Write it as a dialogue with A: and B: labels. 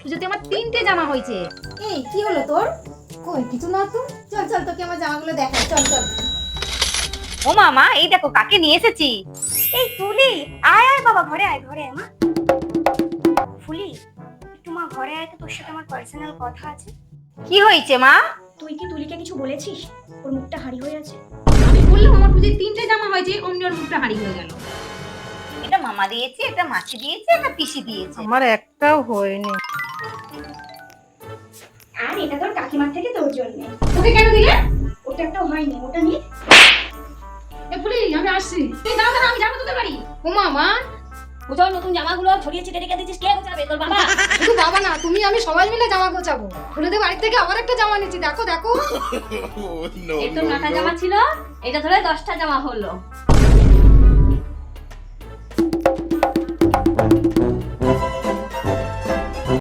A: পুজোতে আমার 3টে জামা হয়েছে।
B: এই কি হলো তোর? কই কিছু না তো। চল চল তোকে আমার জামাগুলো দেখাই, চল চল।
C: ও মামা, এই দেখো কাকে নিয়ে এসেছি। এই তুলি, আয় আয় বাবা, ঘরে আয়, ঘরে আয় মা। ফুলি, একটু মা ঘরে আয় তো, তোর সাথে আমার পার্সোনাল কথা আছে। কি হয়েছে মা?
D: তুই কি তুলিকে কিছু বলেছিস? ওর মুখটা হাড়ি হয়ে আছে।
A: আমি বললাম আমার পুজোয় 3টে জামা হয়েছে, অমনি ওর মুখটা হারিয়ে হয়ে গেল।
C: এটা মামা দিয়েছে, এটা মাছি দিয়েছে, এটা পিসি দিয়েছে।
E: আমার একটাও হয়নি।
D: আর এটা তোর কাকিমার থেকে তোর জন্য।
A: ওকে কেন দিলে?
D: ওটা একটাও হয়নি, ওটা নিয়ে।
A: এ ফুলি, আমি আসছি। তুই দাও না, আমি যাবো তোদের বাড়ি। ও মামা,
D: পুজোর নতুন জামাগুলো ছড়িয়ে ছিটে রেখে দিচ্ছিস, কে গোছাবে? তোর বাবা?
B: শুধু বাবা না, তুমি আমি সবাই মিলে জামা গোছাবো। ফুলেদের বাড়ি থেকে আবার একটা জামা নিচ্ছি, দেখো দেখো।
D: এই তো 9টা জামা ছিল, এটা ধরে 10টা জামা হলো।